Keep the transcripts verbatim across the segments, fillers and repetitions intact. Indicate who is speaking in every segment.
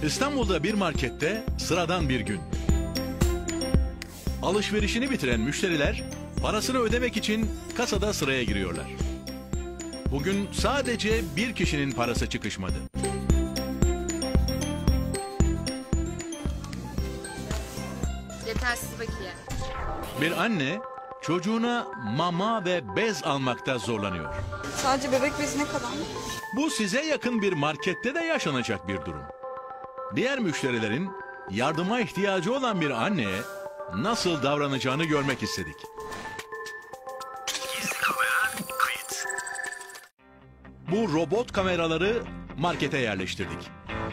Speaker 1: İstanbul'da bir markette sıradan bir gün. Alışverişini bitiren müşteriler parasını ödemek için kasada sıraya giriyorlar. Bugün sadece bir kişinin parası çıkışmadı.
Speaker 2: Yetersiz bakiye.
Speaker 1: Bir anne çocuğuna mama ve bez almakta zorlanıyor.
Speaker 3: Sadece bebek bezi ne kadar?
Speaker 1: Bu size yakın bir markette de yaşanacak bir durum. Diğer müşterilerin yardıma ihtiyacı olan bir anneye nasıl davranacağını görmek istedik. Bu robot kameraları markete yerleştirdik.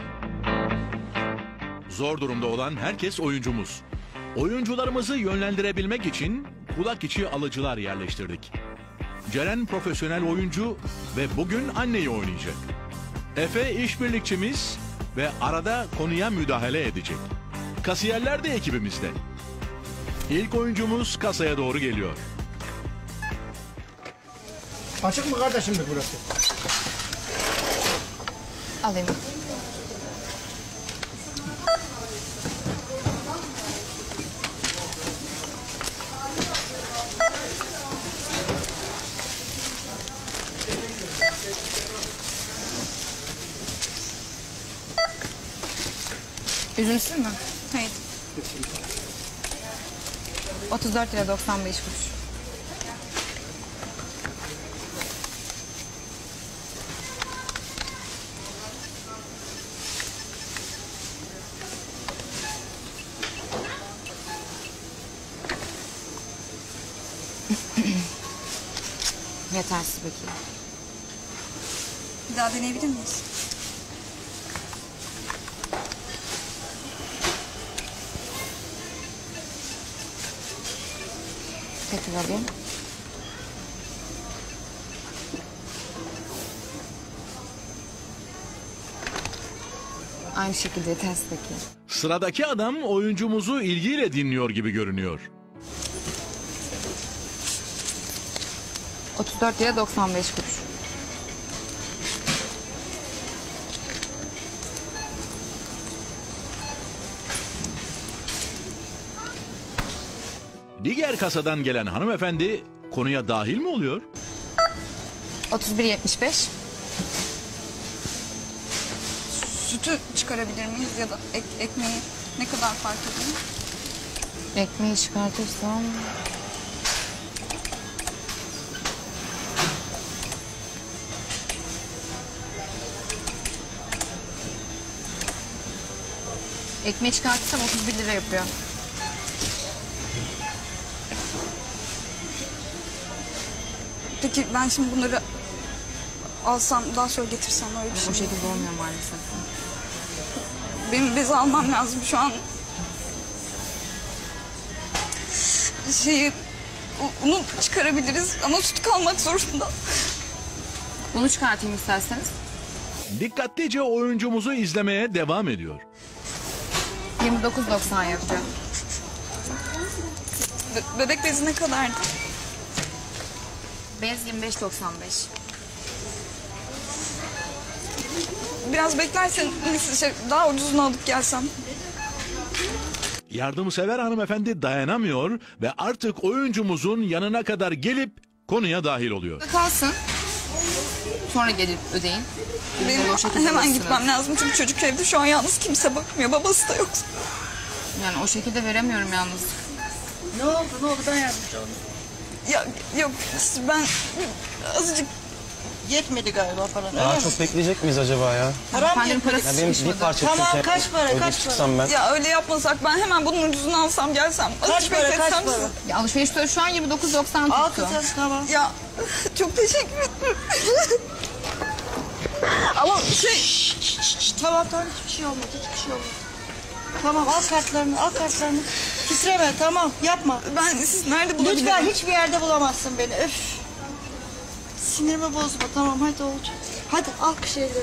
Speaker 1: Zor durumda olan herkes oyuncumuz. Oyuncularımızı yönlendirebilmek için kulak içi alıcılar yerleştirdik. Ceren profesyonel oyuncu ve bugün anneyi oynayacak. Efe işbirlikçimiz ve arada konuya müdahale edecek. Kasiyerler de ekibimizde. İlk oyuncumuz kasaya doğru geliyor.
Speaker 4: Açık mı kardeşim de burası?
Speaker 2: Alayım. Üzümsüz mü?
Speaker 3: Hayır.
Speaker 2: otuz dört lira doksan beş kuruş. Yetersiz bakiye.
Speaker 3: Bir daha deneyebilir miyiz?
Speaker 2: Tekrar alayım. Aynı şekilde yetersiz bakiye.
Speaker 1: Sıradaki adam oyuncumuzu ilgiyle dinliyor gibi görünüyor.
Speaker 2: otuz dört lira doksan beş kuruş.
Speaker 1: Diğer kasadan gelen hanımefendi konuya dahil mi oluyor?
Speaker 2: otuz bir yetmiş beş.
Speaker 3: Sütü çıkarabilir miyiz ya da ek, ekmeği ne kadar fark ediyor?
Speaker 2: Ekmeği çıkartırsam... Ekmeği çıkartırsam otuz bir lira yapıyor.
Speaker 3: Peki ben şimdi bunları alsam daha sonra getirsem öyle bir şey
Speaker 2: O
Speaker 3: mi?
Speaker 2: şekilde olmuyor maalesef.
Speaker 3: Benim bezi almam lazım şu an. Şeyi onu çıkarabiliriz ama süt kalmak zorunda.
Speaker 2: Bunu çıkartayım isterseniz.
Speaker 1: Dikkatlice oyuncumuzu izlemeye devam ediyor.
Speaker 2: yirmi dokuz doksan yapacağım.
Speaker 3: Be- bebek bezi ne kadardı?
Speaker 2: Bez yirmi beş doksan beş.
Speaker 3: Biraz beklersen şey, daha ucuzunu alıp gelsem.
Speaker 1: Yardımsever hanımefendi dayanamıyor ve artık oyuncumuzun yanına kadar gelip konuya dahil oluyor.
Speaker 2: Kalsın. Sonra gelip ödeyin.
Speaker 3: Benim
Speaker 2: O şekilde
Speaker 3: hemen
Speaker 2: alırsınız.
Speaker 3: gitmem lazım çünkü çocuk evde şu an yalnız, kimse bakmıyor, babası da yok.
Speaker 2: Yani o şekilde veremiyorum yalnız.
Speaker 4: Ne oldu ne oldu ben yardımcı olayım.
Speaker 3: Ya yok ben azıcık
Speaker 4: Yetmedi galiba falan.
Speaker 5: Daha
Speaker 4: öyle mi?
Speaker 5: çok bekleyecek miyiz acaba ya?
Speaker 4: Param
Speaker 2: Efendim
Speaker 4: yetmedi.
Speaker 2: parası
Speaker 5: Ya benim bir
Speaker 2: çıkışmadı.
Speaker 5: parça
Speaker 4: Tamam,
Speaker 5: süt
Speaker 4: kaç para,
Speaker 5: ödeyip
Speaker 4: kaç para?
Speaker 5: çıksam ben.
Speaker 3: ya öyle yapmasak ben hemen bunun ucuzunu alsam gelsem.
Speaker 4: Kaç
Speaker 3: Azıcık
Speaker 4: para kaç
Speaker 3: bekletsem
Speaker 4: para?
Speaker 3: sizi.
Speaker 2: Ya alışveriş tutarı şu an yirmi dokuz doksan
Speaker 4: Al
Speaker 2: tuttu.
Speaker 4: kızım tamam.
Speaker 3: Ya çok teşekkür ederim. Ama şey
Speaker 4: Şşt, şşt, şşt, tamam tamam hiçbir şey olmadı hiçbir şey olmadı. Tamam al kartlarını al kartlarını. Titreme tamam yapma.
Speaker 3: ben siz nerede bulabilirim?
Speaker 4: Lütfen hiçbir yerde bulamazsın beni öf. Sinirimi bozma tamam hadi olacak. Hadi al şeyleri.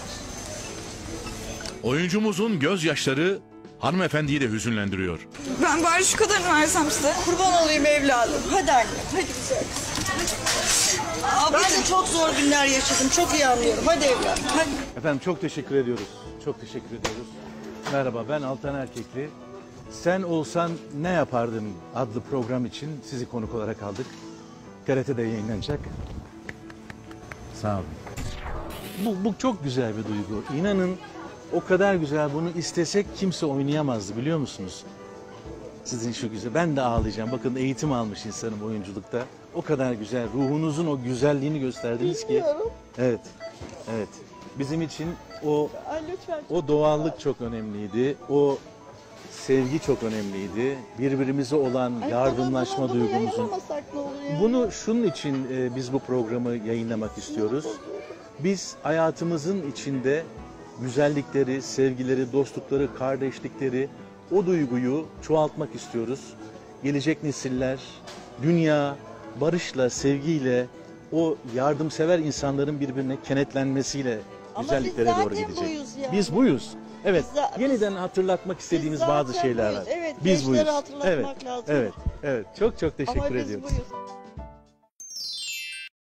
Speaker 1: Oyuncumuzun gözyaşları hanımefendiyi de hüzünlendiriyor.
Speaker 3: Ben bari şu kadarını versem size.
Speaker 4: Kurban olayım evladım. Hadi anne hadi güzel. Ben de çok zor günler yaşadım. Çok iyi anlıyorum. Hadi evladım. Hadi.
Speaker 6: Efendim çok teşekkür ediyoruz. Çok teşekkür ediyoruz.
Speaker 5: Merhaba, ben Altan Erkekli. Sen Olsan Ne Yapardın adlı program için sizi konuk olarak aldık. T R T'de yayınlanacak. Sağ olun. Bu, bu çok güzel bir duygu. İnanın o kadar güzel, bunu istesek kimse oynayamazdı, biliyor musunuz? Sizin şu güzel, ben de ağlayacağım. Bakın eğitim almış insanım oyunculukta. O kadar güzel, ruhunuzun o güzelliğini gösterdiniz ki. Evet, evet. Bizim için o
Speaker 4: Ay lütfen.
Speaker 5: o doğallık çok önemliydi. O sevgi çok önemliydi. Birbirimize olan yardımlaşma duygumuzun.
Speaker 4: Yayınlamasak ne olur ya?
Speaker 5: Bunu şunun için e, biz bu programı yayınlamak istiyoruz. Biz hayatımızın içinde güzellikleri, sevgileri, dostlukları, kardeşlikleri, o duyguyu çoğaltmak istiyoruz. Gelecek nesiller, dünya barışla, sevgiyle, o yardımsever insanların birbirine kenetlenmesiyle
Speaker 4: Ama
Speaker 5: güzelliklere
Speaker 4: biz
Speaker 5: doğru
Speaker 4: zaten
Speaker 5: gidecek.
Speaker 4: buyuz yani.
Speaker 5: Biz buyuz. Evet.
Speaker 4: Biz za-
Speaker 5: Yeniden hatırlatmak istediğimiz
Speaker 4: Biz
Speaker 5: bazı
Speaker 4: zaten
Speaker 5: şeyler
Speaker 4: buyuz.
Speaker 5: var.
Speaker 4: Evet,
Speaker 5: biz
Speaker 4: gençlere
Speaker 5: buyuz.
Speaker 4: hatırlatmak
Speaker 5: evet.
Speaker 4: lazım.
Speaker 5: Evet. Evet. Çok çok teşekkür
Speaker 4: Ama biz
Speaker 5: ediyoruz.
Speaker 4: buyuz.